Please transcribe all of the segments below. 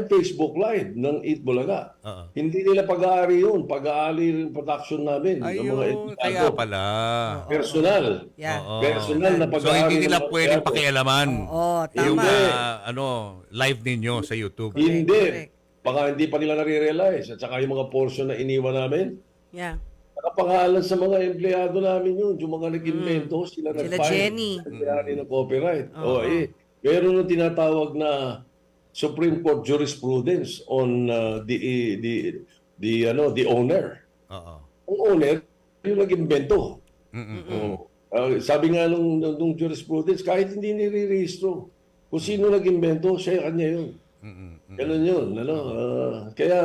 tayong Facebook Live ng Eat Bulaga. Oo. Hindi nila pag-aari yun. Pag-aari yung production namin. Ng mga Ayun, kaya empleyado. pala. Personal. Yeah. Oo. Personal na So pag-aari hindi nila ng mga pwedeng empleyado. pakialaman Oo, yung tama. live ninyo sa YouTube. Hindi. Correct. Baka hindi pa nila nare-realize. At saka yung mga portion na iniwan namin, Yeah. nakapangalan sa mga empleyado namin yun. Yung mga nag-invento, sila Sila nag-file. Jenny. Empleyado ng copyright. Meron yung tinatawag na Supreme Court jurisprudence on the owner. Oo. Ang owner, yung nag-invento. Sabi nga nung jurisprudence, kahit hindi nire-registro, kung sino nag-invento, siya kanya yun. Ganun yun. Kaya,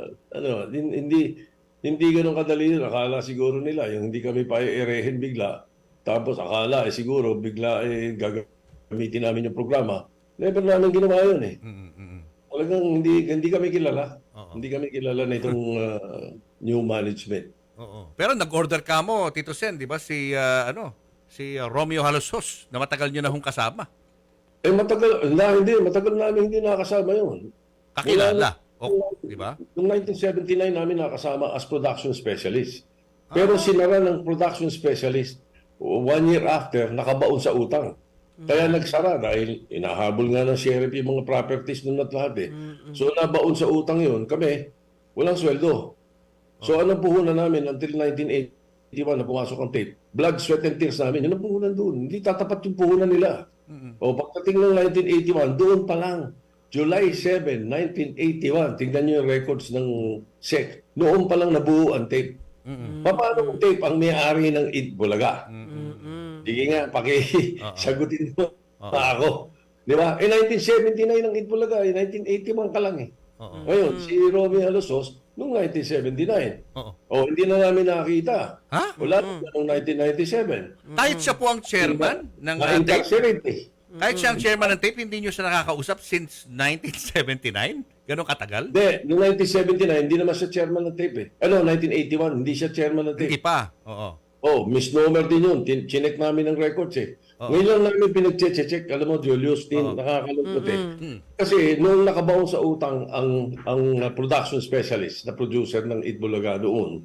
hindi ganun kadali yun. Akala siguro nila, yung hindi kami pa erehin bigla, tapos akala, siguro, bigla gagamitin namin yung programa. Never namin ginawa yun eh. Talagang hindi kami kilala. Hindi kami kilala na itong new management. Oo. Pero nag-order ka mo, Tito Sen, di ba? Si Romeo Halosos, na matagal nyo na hong kasama. Matagal namin hindi nakasama yun. Kakilala. Di ba? Noong 1979 namin nakasama as production specialist. Pero sinara ng production specialist 1 year after, nakabaon sa utang. Kaya nagsara dahil inahabol nga ng sheriff yung mga properties nun at lahat eh. So nabaon sa utang yun, kami, walang sweldo. So anong puhunan namin until 1981 na pumasok ang tape? Blood, sweat, and tears namin. Yun ang puhunan doon. Hindi tatapat yung puhunan nila. O pagdating ng 1981, doon pa lang, July 7, 1981, tingnan nyo yung records ng SEC. Noon pa lang nabuo ang tape. Paano ang tape ang may-ari ng Eat Bulaga? Sige nga, sagutin mo pa ako. Di ba? 1979 ang Eat Bulaga, 1981 ka lang eh. Ngayon, si Romeo Halosos, noong 1979. Hindi na namin nakita. Ha? Wala na noong 1997. Kahit siya po ang chairman ng tape? Na-incarcerate eh. Kahit siya ang chairman ng tape, hindi nyo siya nakakausap since 1979? Ganon katagal? Hindi, noong 1979, hindi naman siya chairman ng tape eh. 1981, hindi siya chairman ng tape. Hindi pa. Oo. Misnomer din yun. Chinek namin ng records eh. Ngayon lang namin pinag-check. Alam mo, Julius, nakakalungkot eh. Kasi noong nakabaon sa utang ang production specialist na producer ng Eat Bulaga doon,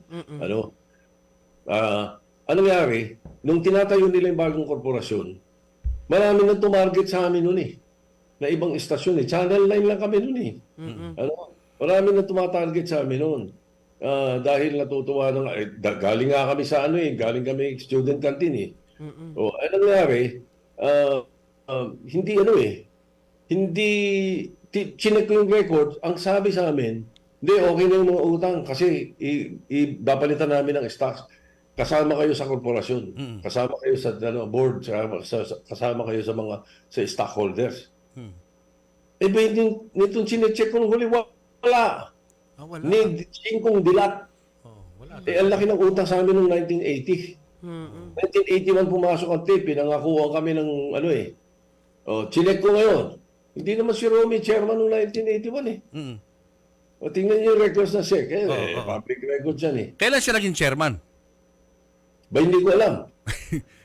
ano nangyari, nung tinatayo nila yung bagong korporasyon, marami nang tumarget sa amin noon eh. Na ibang istasyon eh. Channel 9 lang kami noon eh. Marami nang tumatarget sa amin noon. Dahil natutuwa nang galing nga kami sa galing kami student canteen eh. Ano nangyari? Hindi chinek ko yung record, ang sabi sa amin, hindi okay na yung mga utang kasi babalitan namin ng stocks. Kasama kayo sa korporasyon. Kasama kayo sa board, kasama kayo sa stockholders. Nitong chinecheck ko ng huli, wala. Wala. Need 5 dilat. Wala. Ang laki ng utang sa amin noong 1980. 1981 pumasok ang tape, pinangakuha kami ng chinek ko ngayon. Hindi naman si Romy chairman noong 1981 eh. Tingnan niyo yung records na SEC. Public records yan eh. Kailan siya naging chairman? Ba hindi ko alam.